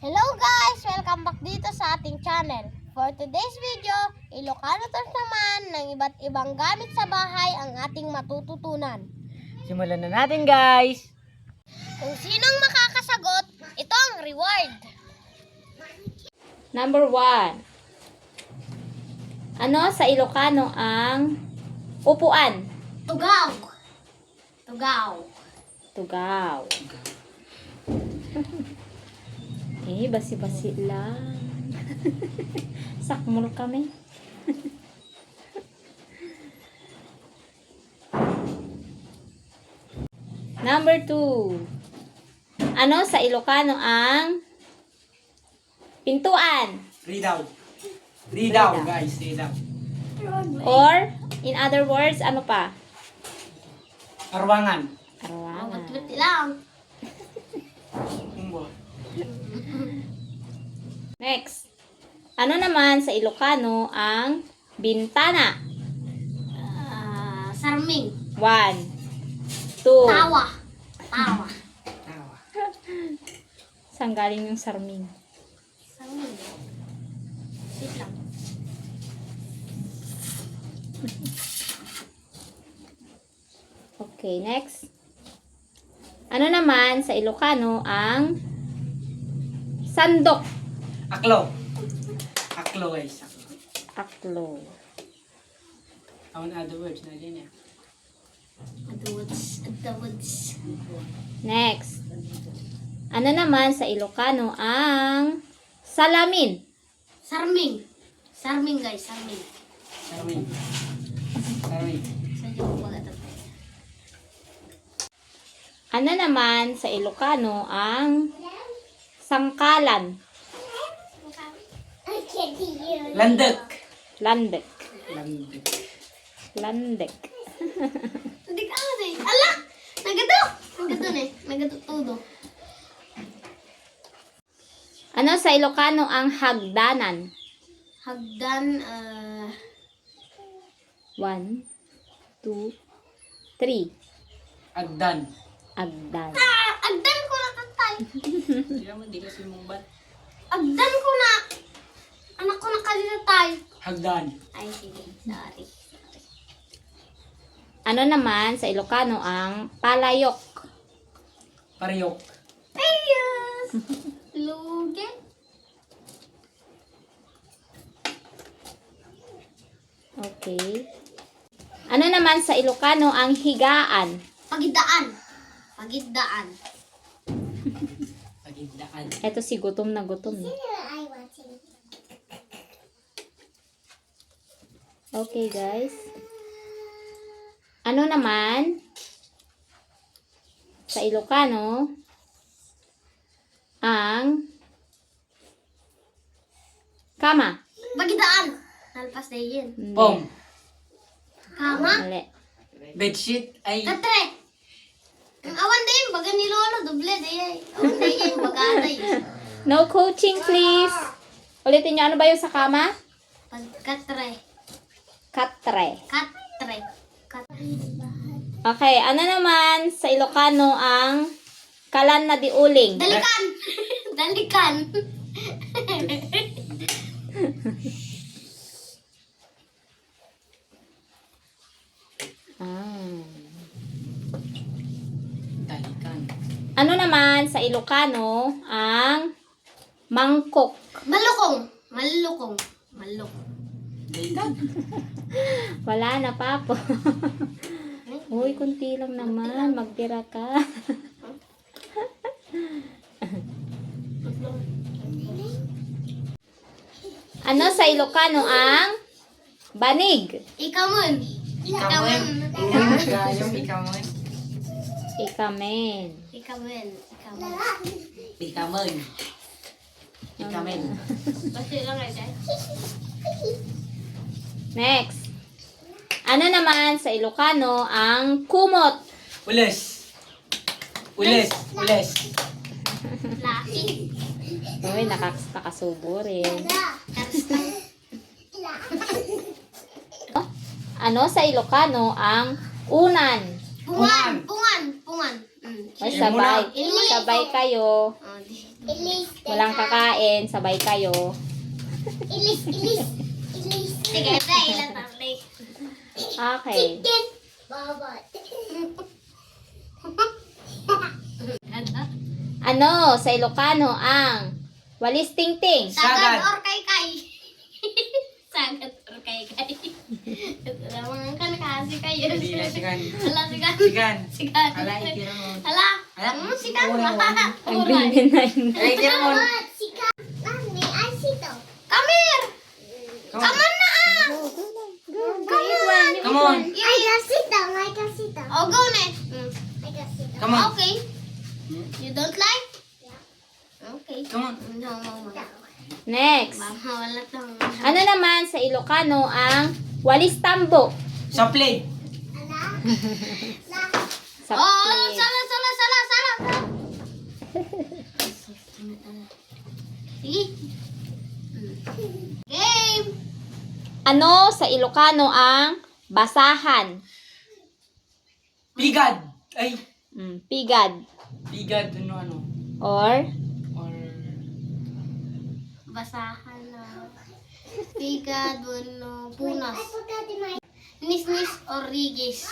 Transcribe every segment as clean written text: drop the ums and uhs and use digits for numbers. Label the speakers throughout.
Speaker 1: Hello guys! Welcome back dito sa ating channel. For today's video, Ilocano terms naman ng iba't ibang gamit sa bahay ang ating matututunan.
Speaker 2: Simulan na natin, guys!
Speaker 1: Kung sinong makakasagot, ito ang reward.
Speaker 3: Number 1. Ano sa Ilocano ang upuan?
Speaker 1: Tugaw! Tugaw!
Speaker 3: Tugaw. Basi-basi lang. Sakmol kami. Number 2. Ano sa Ilocano ang pintuan?
Speaker 2: Read
Speaker 3: Read out.
Speaker 2: guys. Read out.
Speaker 3: Or, in other words, ano pa?
Speaker 2: Arwangan.
Speaker 3: Arawangan.
Speaker 1: Buti lang.
Speaker 3: Next. Ano naman sa Ilocano ang bintana?
Speaker 1: Sarming.
Speaker 3: 1, 2.
Speaker 1: Tawa. Tawa.
Speaker 2: Tawa.
Speaker 3: Saan galing yung sarming?
Speaker 1: Sarming. Wait lang.
Speaker 3: Okay, next. Ano naman sa Ilocano ang sandok?
Speaker 2: Aklo. Aklo, guys. Aklo.
Speaker 3: Aklo.
Speaker 2: On other words na din yan.
Speaker 1: At the woods.
Speaker 3: Next. Ano naman sa Ilocano ang salamin?
Speaker 1: Sarming. Sarming guys, sarming.
Speaker 2: Sarwin. Sarwin.
Speaker 1: Sa joke wala ito.
Speaker 3: Ano naman sa Ilocano ang sangkalan?
Speaker 2: Landek.
Speaker 3: Landek.
Speaker 2: Landek.
Speaker 3: Landek.
Speaker 1: Hindi ka ano eh. Ala! Nagato! Nagato na eh. Nagato todo.
Speaker 3: Ano sa Ilocano ang hagdanan?
Speaker 1: Hagdan,
Speaker 3: 1, 2, 3.
Speaker 2: Agdan.
Speaker 3: Agdan.
Speaker 1: agdan ko na tatay.
Speaker 2: Hindi naman, di kasi mong bat.
Speaker 1: Agdan ko na. Anak ko na kanina tayo.
Speaker 2: Hagdan.
Speaker 1: Ay, sige. Sorry.
Speaker 3: Ano naman sa Ilocano ang palayok?
Speaker 2: Pariyok.
Speaker 1: Ayos! Lugi.
Speaker 3: Okay. Ano naman sa Ilocano ang higaan?
Speaker 1: Pagidaan. Pagidaan.
Speaker 2: Pagindaan.
Speaker 3: Eto si gutom na gutom. Okay, guys. Ano naman sa Ilocano ang kama?
Speaker 1: Pagidaan. Nalpas na yun.
Speaker 3: Hindi.
Speaker 2: Pom.
Speaker 1: Kama.
Speaker 3: Mali.
Speaker 2: Bedsheet ay
Speaker 1: Katre. Ang awan din. Baga ni Lolo. Doble day. Awan day. Baga day.
Speaker 3: No coaching, please. Ulitin nyo, ano ba yung sa kama?
Speaker 1: Pagkatre.
Speaker 3: Katre.
Speaker 1: Katre.
Speaker 3: Okay, ano naman sa Ilocano ang kalan na diuling?
Speaker 1: Dalikan. Dalikan.
Speaker 2: dalikan.
Speaker 3: Ano naman sa Ilocano ang mangkok?
Speaker 1: Malukong. Malukong. Malukong.
Speaker 2: Dalikan.
Speaker 3: Wala na, papo. Uy, kunti lang naman. Magtira ka. Ano sa Ilocano ang banig?
Speaker 1: Ikamun.
Speaker 2: Ikamen. Gayong ikamen.
Speaker 3: Ikamen.
Speaker 1: Ikamun. Ikamun.
Speaker 2: Ikamen. Ikamen.
Speaker 1: Basta lang guys.
Speaker 3: Next. Ano naman sa Ilocano ang kumot?
Speaker 2: Ules. Ules. Ules.
Speaker 1: Laki.
Speaker 3: Uy, nakasubo rin. Ano sa Ilocano ang unan?
Speaker 1: Pungan. Pungan. Pungan.
Speaker 3: Ay,
Speaker 2: Yan muna.
Speaker 3: sabay. Sabay kayo.
Speaker 1: Ilis.
Speaker 3: Walang kakain, sabay kayo.
Speaker 1: Ilis. Sige, ilan tayo.
Speaker 3: Okay.
Speaker 1: Chicken. Baba.
Speaker 3: Ano sa Ilocano ang walis tingting?
Speaker 1: Sagad
Speaker 2: Sagad.
Speaker 1: or kay-kay? Sagad or kay-kay? Alam ka kasi kayo.
Speaker 2: Hindi na sigan.
Speaker 1: Hala, sigan.
Speaker 2: Sigan.
Speaker 1: Sigan.
Speaker 2: Ala, itira mo.
Speaker 1: Hala.
Speaker 2: Ala.
Speaker 1: Sigan.
Speaker 3: Ang bingin na yun.
Speaker 2: Ala, itira mo.
Speaker 1: Sigan. Mami, ay sito. Come here. Come on na ah.
Speaker 2: Come on.
Speaker 1: Ay, kasito. May kasito. Oh, go na. May kasito.
Speaker 2: Come on.
Speaker 1: Okay. You don't like? Okay.
Speaker 2: Come on.
Speaker 1: No.
Speaker 3: Next.
Speaker 1: Wala tong.
Speaker 3: Ano naman sa Ilocano ang walis tambo?
Speaker 2: Sa plate.
Speaker 3: Sa
Speaker 1: Oh,
Speaker 3: plate.
Speaker 1: sala. Sige. Game.
Speaker 3: Ano sa Ilocano ang basahan?
Speaker 2: Pigad. Ay.
Speaker 3: Pigad.
Speaker 2: Pigad. Ano.
Speaker 3: Or
Speaker 2: Or.
Speaker 1: Basahan na. Pigad, bueno, punas. Nis or rigis.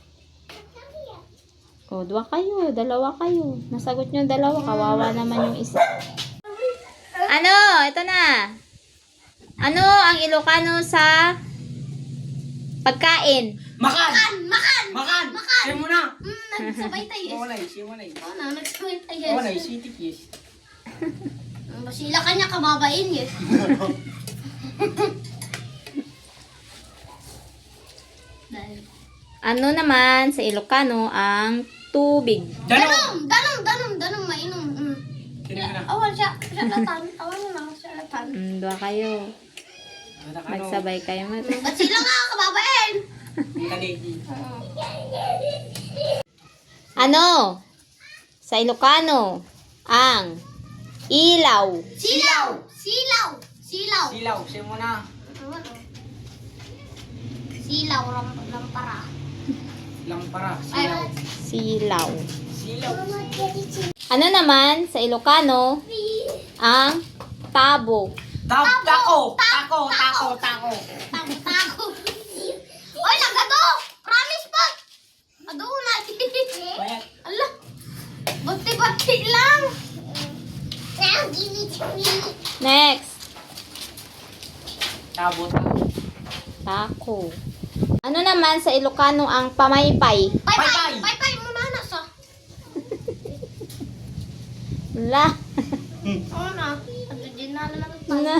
Speaker 3: dalawa kayo. Nasagot nyo dalawa, kawawa naman yung isa. Ano? Ito na. Ano ang Ilocano sa pagkain?
Speaker 2: Makan.
Speaker 1: Makan.
Speaker 2: Siya muna.
Speaker 1: Nagsabay tayo.
Speaker 2: Siya muna.
Speaker 1: Oo na, nagsabay tayo.
Speaker 2: Wala, sitik yes.
Speaker 1: Basila ka niya, kababain yun.
Speaker 3: Ano naman sa Ilocano ang tubig?
Speaker 2: Danom.
Speaker 1: Danong, mainom.
Speaker 2: Sino na?
Speaker 1: Awan siya latan. Awan mo na, siya latan.
Speaker 3: Dua kayo. Magsabay kayo.
Speaker 1: Basila nga, kababain.
Speaker 2: Kalegi.
Speaker 3: Ano sa Ilocano ang ilaw?
Speaker 1: Silaw.
Speaker 2: Silaw. Siya muna.
Speaker 1: Silaw, lampara.
Speaker 2: Lampara.
Speaker 1: Ay,
Speaker 2: Silaw.
Speaker 3: Silaw.
Speaker 2: Silaw.
Speaker 3: Ano naman sa Ilocano ang tabo?
Speaker 2: Tako.
Speaker 1: Tako. Oy, nagado! Promise po! Ado na.
Speaker 2: Bayat.
Speaker 1: Ala. Bati lang.
Speaker 3: Next.
Speaker 2: Tabo.
Speaker 3: Tako. Ano naman sa Ilocano ang pamaypay?
Speaker 1: Pay mo na sa.
Speaker 3: Wala.
Speaker 1: Oo na. Ado din na lang
Speaker 3: Na.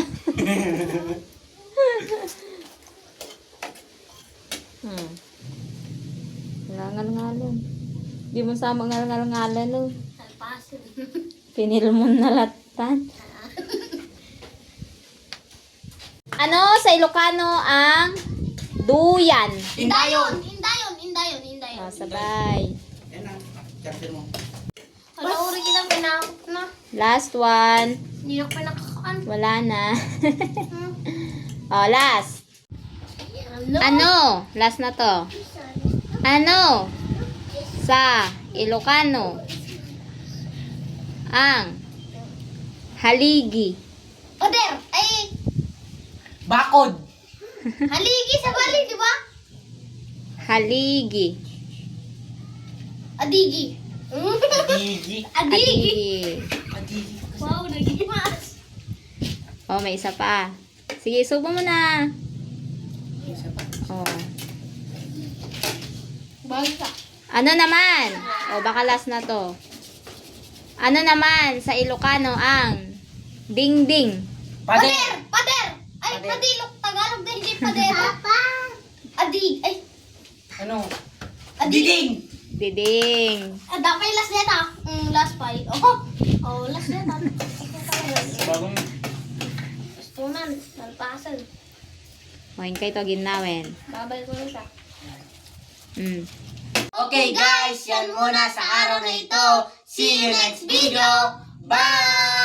Speaker 3: Ngal-ngalan. Di mo sama ngal-ngalan no.
Speaker 1: Salpasin.
Speaker 3: Pinil mo na latan. Ano sa Ilocano ang duyan?
Speaker 1: Indayon.
Speaker 3: Sabay.
Speaker 2: Yan ang chapter mo.
Speaker 1: Wala uri kita pinakot na.
Speaker 3: Last one.
Speaker 1: Hindi na ko pinakakaan.
Speaker 3: Wala na. Last.
Speaker 1: Ano?
Speaker 3: Ano? Last na to. Ano sa Ilocano ang haligi?
Speaker 1: Oder! Ay!
Speaker 2: Bakod.
Speaker 1: Haligi sa bali, di ba?
Speaker 3: Haligi.
Speaker 1: Adigi.
Speaker 2: Adigi.
Speaker 1: Adigi.
Speaker 2: Adigi.
Speaker 1: Wow, nagimas.
Speaker 3: May isa pa. Sige, subo mo na.
Speaker 2: Isa pa.
Speaker 1: Bangsa.
Speaker 3: Ano naman? Baka last na to. Ano naman sa Ilocano ang dingding?
Speaker 2: Pader.
Speaker 1: Ay,
Speaker 2: Pader.
Speaker 1: padilok. Tagalog din, hindi pader. Papa. Adig. Ay,
Speaker 2: Ano?
Speaker 1: adig.
Speaker 2: Diding.
Speaker 3: Diding.
Speaker 1: Dapat last neta. Last pa. Last neta.
Speaker 2: Bagong.
Speaker 1: Tunan. Nalpasan.
Speaker 3: Kay to ginawin.
Speaker 1: Babay ko na siya.
Speaker 2: Okay guys, yan muna sa araw na ito. See you next video. Bye!